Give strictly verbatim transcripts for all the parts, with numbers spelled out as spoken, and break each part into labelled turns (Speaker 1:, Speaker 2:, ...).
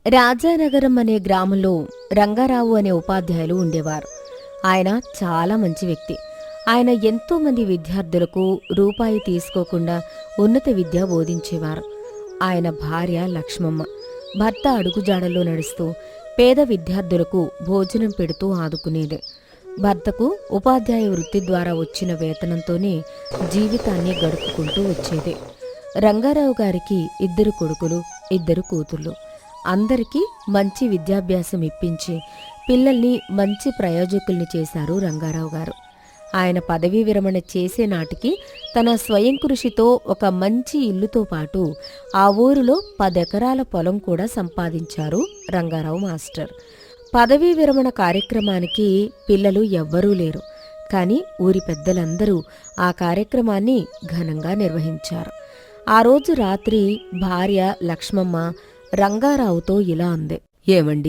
Speaker 1: రాజానగరం అనే గ్రామంలో రంగారావు అనే ఉపాధ్యాయులు ఉండేవారు. ఆయన చాలా మంచి వ్యక్తి. ఆయన ఎంతో మంది విద్యార్థులకు రూపాయి తీసుకోకుండా ఉన్నత విద్య బోధించేవారు. ఆయన భార్య లక్ష్మమ్మ. భర్త అడుగుజాడల్లో నడుస్తూ పేద విద్యార్థులకు భోజనం పెడుతూ ఆదుకునేది. భర్తకు ఉపాధ్యాయ వృత్తి ద్వారా వచ్చిన వేతనంతోనే జీవితాన్ని గడుపుకుంటూ వచ్చేది. రంగారావు గారికి ఇద్దరు కొడుకులు, ఇద్దరు కూతుళ్ళు. అందరికీ మంచి విద్యాభ్యాసం ఇప్పించి పిల్లల్ని మంచి ప్రయోజకుల్ని చేశారు రంగారావు గారు. ఆయన పదవీ విరమణ చేసే నాటికి తన స్వయం కృషితో ఒక మంచి ఇల్లుతో పాటు ఆ ఊరిలో పదెకరాల పొలం కూడా సంపాదించారు రంగారావు మాస్టర్. పదవీ విరమణ కార్యక్రమానికి పిల్లలు ఎవ్వరూ లేరు. కాని ఊరి పెద్దలందరూ ఆ కార్యక్రమాన్ని ఘనంగా నిర్వహించారు. ఆ రోజు రాత్రి భార్య లక్ష్మమ్మ రంగారావుతో ఇలా అంది. ఏమండి,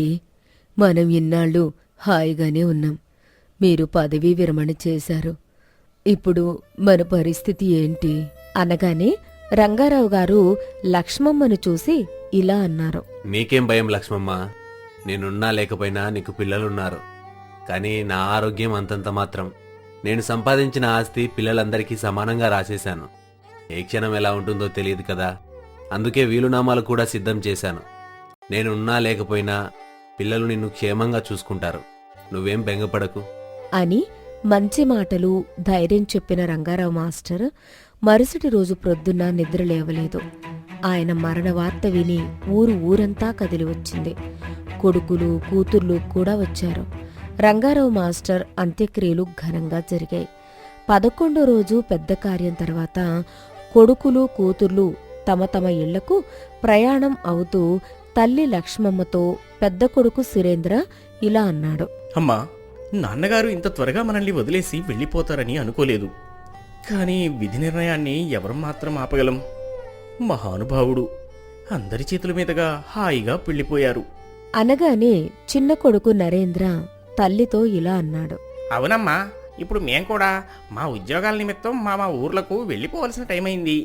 Speaker 1: మనం ఇన్నాళ్ళు హాయిగానే ఉన్నాం. మీరు పదవీ విరమణ చేశారు. ఇప్పుడు మన పరిస్థితి ఏంటి అనగానే రంగారావు గారు లక్ష్మమ్మను చూసి ఇలా అన్నారు.
Speaker 2: నీకేం భయం లక్ష్మమ్మ, నేనున్నా లేకపోయినా నీకు పిల్లలున్నారు. కానీ నా ఆరోగ్యం అంతంత మాత్రం. నేను సంపాదించిన ఆస్తి పిల్లలందరికీ సమానంగా రాసేశాను. ఏ క్షణం ఎలా ఉంటుందో తెలియదు కదా, అందుకే వీలునామాలు కూడా సిద్ధం చేశాను. నేనున్నా లేకపోయినా పిల్లలు నిన్ను క్షేమంగా చూసుకుంటారు. నువ్వేం బెంగపడకు
Speaker 1: అని మంచి మాటలు, ధైర్యం చెప్పిన రంగారావు మాస్టర్ మరుసటి రోజు ప్రొద్దున్న నిద్ర లేవలేదు. ఆయన మరణ వార్త విని ఊరు ఊరంతా కదిలి వచ్చింది. కొడుకులు, కూతుర్లు కూడా వచ్చారు. రంగారావు మాస్టర్ అంత్యక్రియలు ఘనంగా జరిగాయి. పదకొండో రోజు పెద్ద కార్యం తర్వాత కొడుకులు, కూతుర్లు తమ తమ ఇళ్లకు ప్రయాణం అవుతూ తల్లి లక్ష్మమ్మతో పెద్ద కొడుకు సురేంద్ర ఇలా అన్నాడు.
Speaker 3: అమ్మా, నాన్నగారు ఇంత త్వరగా మనల్ని వదిలేసి వెళ్ళిపోతారని అనుకోలేదు. కానీ విధి నిర్ణయాన్ని ఎవరు మాత్రం ఆపగలం? మహానుభావుడు అందరి చేతుల మీదుగా హాయిగా వెళ్ళిపోయారు
Speaker 1: అనగానే చిన్న కొడుకు నరేంద్ర తల్లితో ఇలా అన్నాడు.
Speaker 3: అవునమ్మా, ఇప్పుడు మేం కూడా మా ఉద్యోగాల నిమిత్తం మా మా ఊర్లకు వెళ్ళిపోవలసిన టైం అయింది.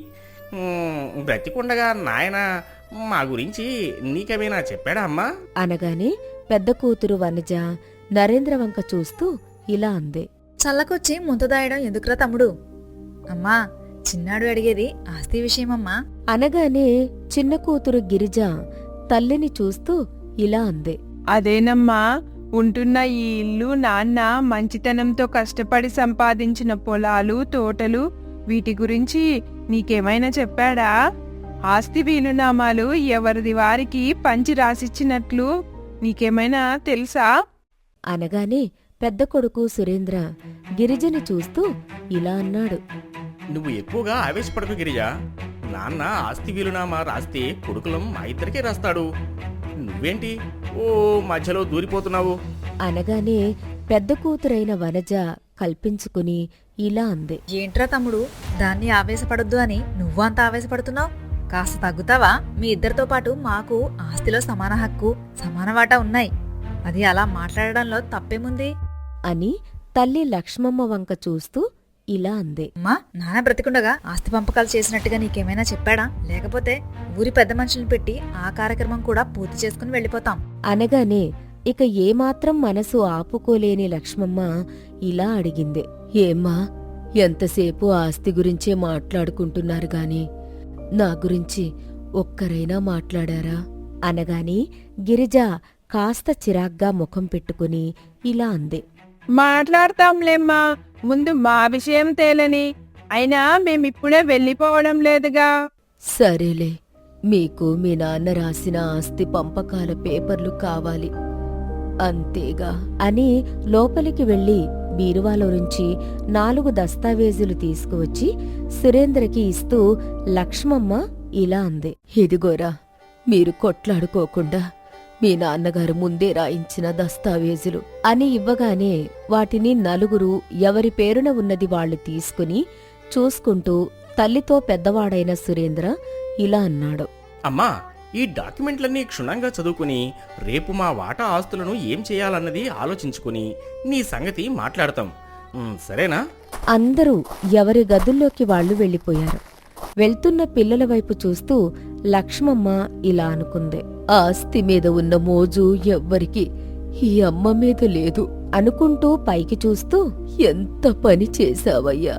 Speaker 3: బ్రతికుండగా నాయన మా గురించి నీకేమైనా చెప్పాడా అమ్మా
Speaker 1: అనగానే పెద్ద కూతురు వనజ నరేంద్ర వంక చూస్తూ ఇలా అంది.
Speaker 4: చల్లకొచ్చి ముంతదాయడం ఎందుకురా తమ్ముడు? అమ్మా, చిన్నాడు అడిగేది ఆస్తి విషయమమ్మా
Speaker 1: అనగానే చిన్న కూతురు గిరిజ తల్లిని చూస్తూ ఇలా అంది.
Speaker 5: అదేనమ్మా, ఉంటున్న ఈ ఇల్లు నాన్న మంచితనంతో కష్టపడి సంపాదించిన పొలాలు, తోటలు, వీటి గురించి నీకేమైనా చెప్పాడా? ఆస్తి వీలునామాలు ఎవరిది వారికి పంచి రాసిచ్చినట్లు నీకేమైనా తెలుసా
Speaker 1: అనగానే పెద్ద కొడుకు సురేంద్ర గిరిజని చూస్తూ ఇలా అన్నాడు.
Speaker 3: నువ్వు ఎక్కువగా ఆవేశపడకు గిరిజా. నాన్న ఆస్తి వీలునామా రాస్తే కొడుకులం మా ఇద్దరికే రాస్తాడు. నువ్వేంటి ఓ మధ్యలో దూరిపోతున్నావు
Speaker 1: అనగానే పెద్ద కూతురైన వనజ కల్పించుకుని ఇలా అంది.
Speaker 4: ఏంట్రా తమ్ముడు, దాన్ని ఆవేశపడొద్దు అని నువ్వంత ఆవేశపడుతున్నావు? కాస్త తగ్గుతావా? మీ ఇద్దరితో పాటు మాకు ఆస్తిలో సమాన హక్కు, సమాన వాటా ఉన్నాయి. అది అలా మాట్లాడడంలో తప్పేముంది
Speaker 1: అని తల్లి లక్ష్మమ్మ వంక చూస్తూ ఇలా అంది.
Speaker 4: అమ్మా, నాన్న బ్రతికుండగా ఆస్తి పంపకాలు చేసినట్టుగా నీకేమైనా చెప్పాడా? లేకపోతే ఊరి పెద్ద మనుషులను పెట్టి ఆ కార్యక్రమం కూడా పూర్తి చేసుకుని వెళ్ళిపోతాం
Speaker 1: అనగానే ఇక ఏమాత్రం మనసు ఆపుకోలేని లక్ష్మమ్మ ఇలా అడిగింది. ఏమ్మా, ఎంతసేపు ఆస్తి గురించే మాట్లాడుకుంటున్నారు గాని నా గురించి ఒక్కరైనా మాట్లాడారా అనగాని గిరిజ కాస్త చిరాగ్గా ముఖం పెట్టుకుని ఇలా అంది.
Speaker 5: మాట్లాడతాంలేమ్మా, ముందు మా విషయం తేలని. అయినా మేమిప్పుడే వెళ్ళిపోవడం లేదుగా.
Speaker 1: సరేలే, మీకు మీ నాన్న రాసిన ఆస్తి పంపకాల పేపర్లు కావాలి అంతేగా అని లోపలికి వెళ్లి బీరువాలో నుంచి నాలుగు దస్తావేజులు తీసుకువచ్చి సురేంద్రకి ఇస్తూ లక్ష్మమ్మ ఇలా అంది. ఇదిగోరా, మీరు కొట్లాడుకోకుండా మీ నాన్నగారు ముందే రాయించిన దస్తావేజులు అని ఇవ్వగానే వాటిని నలుగురు ఎవరి పేరున ఉన్నది వాళ్లు తీసుకుని చూసుకుంటూ తల్లితో పెద్దవాడైన సురేంద్ర ఇలా అన్నాడు.
Speaker 3: అమ్మా, ఈ డాక్యుమెంట్లన్నీ క్షుణ్ణంగా చదువుకుని రేపు మా వాటా ఆస్తులను ఏం చేయాలన్నది ఆలోచించుకుని నీ సంగతి మాట్లాడతాం, సరేనా?
Speaker 1: అందరూ ఎవరి గదుల్లోకి వాళ్లు వెళ్లిపోయారు. వెళ్తున్న పిల్లల వైపు చూస్తూ లక్ష్మమ్మ ఇలా అనుకుంది. ఆస్తి మీద ఉన్న మోజు ఎవ్వరికి ఈ అమ్మ మీద లేదు అనుకుంటూ పైకి చూస్తూ, ఎంత పని చేశావయ్యా,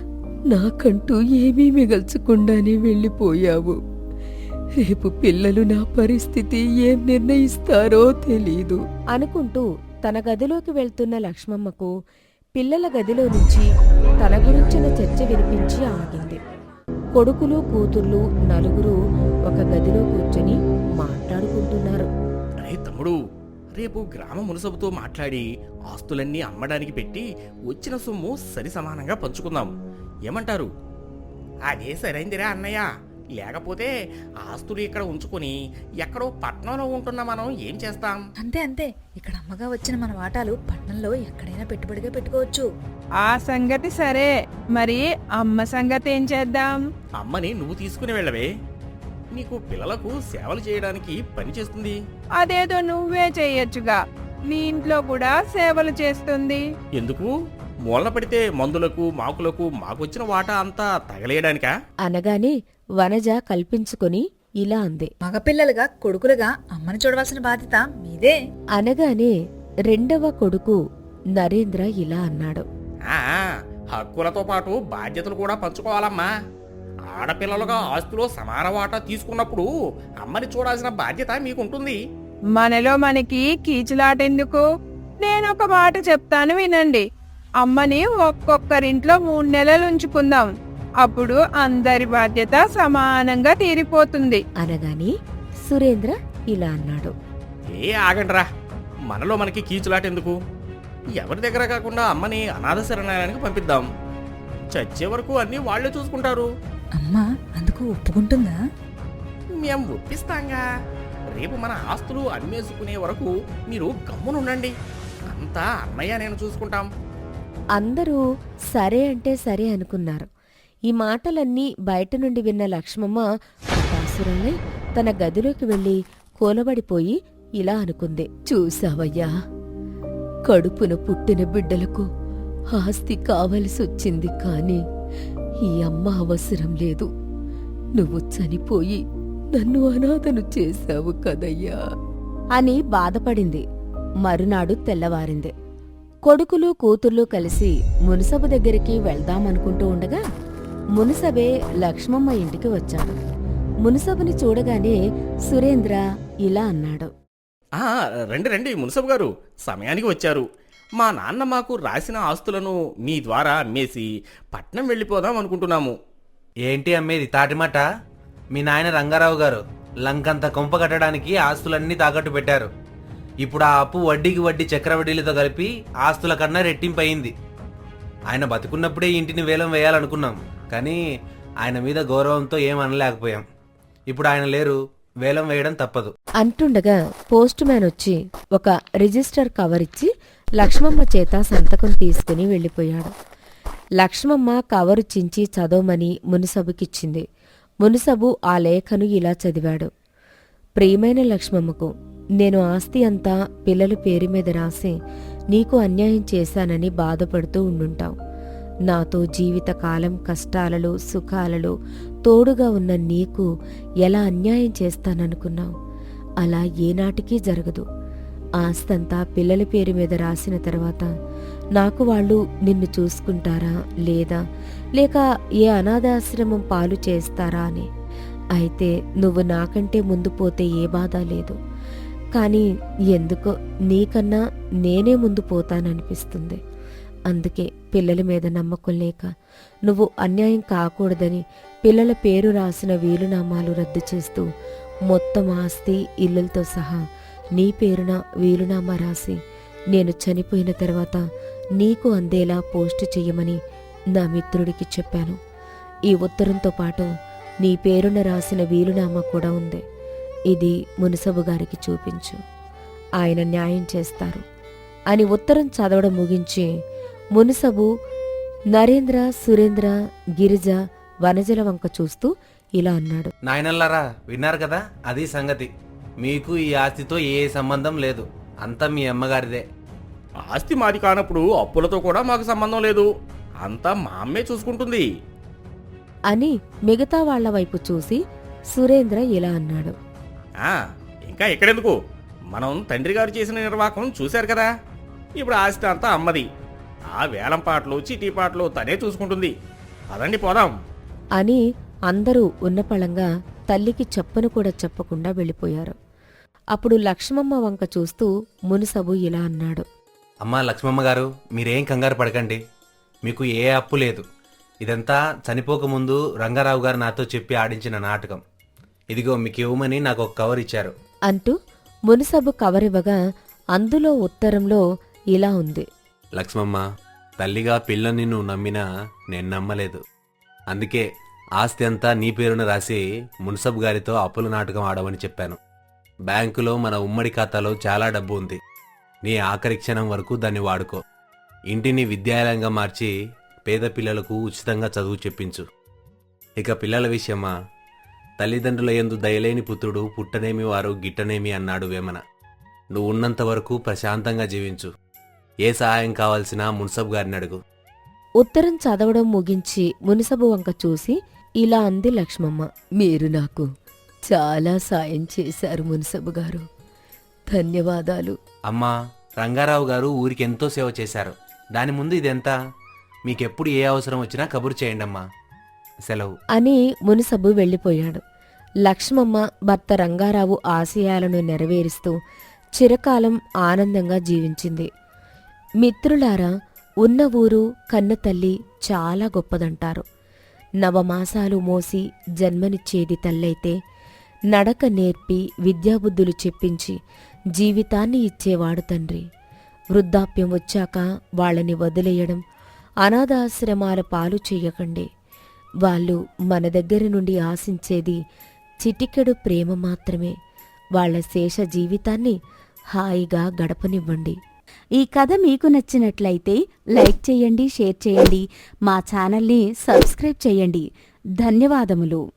Speaker 1: నాకంటూ ఏమీ మిగల్చకుండానే వెళ్ళిపోయావు. రేపు పిల్లలు నా పరిస్థితి ఏం నిర్ణయిస్తారో తెలీదు అనుకుంటూ తన గదిలోకి వెళ్తున్న లక్ష్మమ్మకు పిల్లల గదిలో నుంచి తన గురించిన చర్చ వినిపించి ఆగింది. కొడుకులు కూతుర్లు నలుగురు ఒక గదిలో కూర్చొని మాట్లాడుకుంటున్నారు.
Speaker 3: అరే తమ్ముడు, రేపు గ్రామ మునసబుతో మాట్లాడి ఆస్తులన్నీ అమ్మడానికి పెట్టి వచ్చిన సొమ్ము సరి సమానంగా పంచుకుందాం, ఏమంటారు? అదే సరైందిరా అన్నయ్య. లేకపోతే ఆస్తులు ఇక్కడ ఉంచుకొని ఎక్కడో పట్నంలో ఉంటున్న మనం ఏం చేస్తాం?
Speaker 4: అంతే అంతే, ఇక్కడ అమ్మగా వచ్చిన మన వాటాలు పట్నంలో ఎక్కడైనా పెట్టుబడిగా పెట్టుకోవచ్చు.
Speaker 5: ఆ సంగతి సరే, మరి అమ్మ సంగతి ఏం చేద్దాం?
Speaker 3: అమ్మని నువ్వు తీసుకుని వెళ్ళవే, నీకు పిల్లలకు సేవలు చేయడానికి పని చేస్తుంది.
Speaker 5: అదేదో నువ్వే చెయ్యొచ్చుగా, నీ ఇంట్లో కూడా సేవలు చేస్తుంది.
Speaker 3: ఎందుకు? మూలన పడితే మందులకు మాకులకు మాకొచ్చిన వాటా అంతా తగలేయడానికా?
Speaker 1: అనగానే వనజ కల్పించుకొని ఇలా అంది.
Speaker 4: మగపిల్లలుగా కొడుకులుగా అమ్మని చూడవలసిన బాధ్యత మీదే.
Speaker 1: అనగానే రెండవ కొడుకు నరేంద్ర ఇలా అన్నాడు.
Speaker 3: ఆ, హక్కులతో పాటు బాధ్యతలు కూడా పంచుకోవాలమ్మా. ఆడపిల్లలుగా ఆస్తిలో సమాన వాటా తీసుకున్నప్పుడు అమ్మని చూడాల్సిన బాధ్యత మీకుంటుంది.
Speaker 5: మనలో మనకి కీచులాటెందుకు? నేనొక మాట చెప్తాను వినండి. అమ్మని ఒక్కొక్కరింట్లో మూడు నెలలు ఉంచుకుందాం, అప్పుడు అందరి బాధ్యత సమానంగా తీరిపోతుంది
Speaker 1: అనగానే సురేంద్ర ఇలా అన్నాడు.
Speaker 3: ఏ ఆగండ్రా, మనలో మనకి కీచులాటెందుకు? ఎవరి దగ్గర కాకుండా అమ్మని అనాథ శరణాలయానికి పంపిద్దాం. చచ్చే వరకు అన్నీ వాళ్లే చూసుకుంటారు.
Speaker 4: అమ్మ అందుకు ఒప్పుకుంటుందా?
Speaker 3: మేం ఒప్పిస్తాంగా. రేపు మన ఆస్తులు అమ్మేసుకునే వరకు మీరు గమ్మునుండండి, అంతా అన్నయ్య నేను చూసుకుంటాం.
Speaker 1: అందరూ సరే అంటే సరే అనుకున్నారు. ఈ మాటలన్నీ బయట నుండి విన్న లక్ష్మమ్మ హతాశురాలై తన గదిలోకి వెళ్లి కూలబడిపోయి ఇలా అనుకుంది. చూసావయ్యా, కడుపున పుట్టిన బిడ్డలకు ఆస్తి కావలసొచ్చింది, కాని ఈ అమ్మ అవసరం లేదు. నువ్వు చనిపోయి నన్ను అనాథను చేశావు కదయ్యా అని బాధపడింది. మరునాడు తెల్లవారింది. కొడుకులు కూతుర్లు కలిసి మునసబు దగ్గరికి వెళ్దామనుకుంటూ ఉండగా మునసబే లక్ష్మమ్మ ఇంటికి వచ్చాడు. మునసబుని చూడగానే సురేంద్ర ఇలా అన్నాడు.
Speaker 3: ఆ, రండి రండి మునసబు గారు, సమయానికి వచ్చారు. మా నాన్న మాకు రాసిన ఆస్తులను మీ ద్వారా అమ్మేసి పట్నం వెళ్ళిపోదాం అనుకుంటున్నాము.
Speaker 2: ఏంటి అమ్మేది తాటిమాట? మీ నాయన రంగారావు గారు లంకంత కొంప కట్టడానికి ఆస్తులన్నీ తాకట్టు పెట్టారు. ఇప్పుడు ఆ అప్పు వడ్డీకి వడ్డీ చక్రవడ్డీలతో కలిపి ఆస్తుల కన్నా రెట్టింపయింది. ఆయన బతుకున్నప్పుడే ఇంటిని వేలం వేయాలనుకున్నాం, కానీ ఆయన మీద గౌరవంతో ఏం అనలేకపోయాం. ఇప్పుడు ఆయన లేరు, వేలం వేయడం తప్పదు
Speaker 1: అంటుండగా పోస్ట్ మ్యాన్ వచ్చి ఒక రిజిస్టర్ కవర్ ఇచ్చి లక్ష్మమ్మ చేత సంతకం తీసుకుని వెళ్ళిపోయాడు. లక్ష్మమ్మ కవరు చించి చదవమని మునసబుకిచ్చింది. మునసబు ఆ లేఖను ఇలా చదివాడు. ప్రియమైన లక్ష్మమ్మకు, నేను ఆస్తి అంతా పిల్లల పేరు మీద రాసి నీకు అన్యాయం చేశానని బాధపడుతూ ఉండుంటావు. నాతో జీవితకాలం కష్టాలలో సుఖాలలో తోడుగా ఉన్న నీకు ఎలా అన్యాయం చేస్తాననుకున్నావు? అలా ఏనాటికీ జరగదు. ఆస్తంతా పిల్లల పేరు మీద రాసిన తర్వాత నాకు వాళ్ళు నిన్ను చూసుకుంటారా లేదా, లేక ఏ అనాథాశ్రమం పాలు చేస్తారా అని. అయితే నువ్వు నాకంటే ముందు పోతే ఏ బాధ లేదు, కానీ ఎందుకో నీకన్నా నేనే ముందు పోతాననిపిస్తుంది. అందుకే పిల్లల మీద నమ్మకం లేక నువ్వు అన్యాయం కాకూడదని పిల్లల పేరు రాసిన వీలునామాలు రద్దు చేస్తూ మొత్తం ఆస్తి ఇల్లులతో సహా నీ పేరున వీలునామా రాసి నేను చనిపోయిన తర్వాత నీకు అందేలా పోస్టు చెయ్యమని నా మిత్రుడికి చెప్పాను. ఈ ఉత్తరంతో పాటు నీ పేరున రాసిన వీలునామా కూడా ఉంది. ఇది మునసబు గారికి చూపించు, ఆయన న్యాయం చేస్తారు అని ఉత్తరం చదవడం ముగించి మునసబు నరేంద్ర, సురేంద్ర, గిరిజ, వనజల వంక చూస్తూ ఇలా అన్నాడు.
Speaker 2: నాయనల్లారా, విన్నారు కదా, అది సంగతి. మీకు ఈ ఆస్తితో ఏ సంబంధం లేదు, అంతా మీ అమ్మగారిదే.
Speaker 3: ఆస్తి మాది కానప్పుడు అప్పులతో కూడా మాకు సంబంధం లేదు, అంతా మా అమ్మే చూసుకుంటుంది.
Speaker 1: అని మిగతా వాళ్ల వైపు చూసి సురేంద్ర ఇలా అన్నాడు.
Speaker 3: ఆ, ఇంకా ఎక్కడెందుకు, మనం తండ్రి గారు చేసిన నిర్వాహకం చూశారు కదా. ఇప్పుడు ఆస్తి అంతా అమ్మది. ఆ వేలం పాటలు చీటీ పాటలు తనే చూసుకుంటుంది. పదండి పోదాం.
Speaker 1: అని అందరూ ఉన్నపళంగా తల్లికి చెప్పను కూడా చెప్పకుండా వెళ్ళిపోయారు. అప్పుడు లక్ష్మమ్మ వంక చూస్తూ మునుసబు ఇలా అన్నాడు.
Speaker 2: అమ్మా లక్ష్మమ్మ గారు, మీరేం కంగారు పడకండి. మీకు ఏ అప్పు లేదు. ఇదంతా చనిపోకముందు రంగారావు గారు నాతో చెప్పి ఆడించిన నాటకం. ఇదిగో మీకు ఇవ్వమని నాకు ఒక కవర్ ఇచ్చారు
Speaker 1: అంటూ మునుసబు కవరివ్వగా అందులో ఉత్తరంలో ఇలా ఉంది.
Speaker 2: లక్ష్మమ్మ, తల్లిగా పిల్లని నువ్వు నమ్మినా నేను నమ్మలేదు. అందుకే ఆస్తి అంతా నీ పేరున రాసి మున్సబ్ గారితో అప్పుల నాటకం ఆడమని చెప్పాను. బ్యాంకులో మన ఉమ్మడి ఖాతాలో చాలా డబ్బు ఉంది. నీ ఆఖరి క్షణం వరకు దాన్ని వాడుకో. ఇంటిని విద్యాలయంగా మార్చి పేద పిల్లలకు ఉచితంగా చదువు చెప్పించు. ఇక పిల్లల విషయమా, తల్లిదండ్రుల యందు దయలేని పుత్రుడు పుట్టనేమి వారు గిట్టనేమి అన్నాడు వేమన. నువ్వు ఉన్నంత వరకు ప్రశాంతంగా జీవించు. ఏ సహాయం కావాల్సినా మున్సబ్ గారిని అడుగు.
Speaker 1: ఉత్తరం చదవడం ముగించి మునుసబు వంక చూసి ఇలా అంది లక్ష్మమ్మ. మీరు నాకు చాలా సాయం చేశారు మున్సబు గారు, ధన్యవాదాలు.
Speaker 2: అమ్మా, రంగారావు గారు ఊరికి ఎంతో సేవ చేశారు. దాని ముందు ఇదెంత? మీకెప్పుడు ఏ అవసరం వచ్చినా కబురు చేయండమ్మా. సెలవు.
Speaker 1: అని మునుసబు వెళ్ళిపోయాడు. లక్ష్మమ్మ భర్త రంగారావు ఆశయాలను నెరవేరుస్తూ చిరకాలం ఆనందంగా జీవించింది. మిత్రులారా, ఉన్న ఊరు కన్న తల్లి చాలా గొప్పదంటారు. నవమాసాలు మోసి జన్మనిచ్చేది తల్లైతే, నడక నేర్పి విద్యాబుద్ధులు చెప్పించి జీవితాన్ని ఇచ్చేవాడు తండ్రి. వృద్ధాప్యం వచ్చాక వాళ్ళని వదిలేయడం, అనాథాశ్రమాల పాలు చెయ్యకండి. వాళ్ళు మన దగ్గర నుండి ఆశించేది చిటికెడు ప్రేమ మాత్రమే. వాళ్ల శేష జీవితాన్ని హాయిగా గడపనివ్వండి.
Speaker 6: ఈ కథ మీకు నచ్చినట్లయితే లైక్ చేయండి, షేర్ చేయండి, మా ఛానల్ని సబ్స్క్రైబ్ చేయండి. ధన్యవాదములు.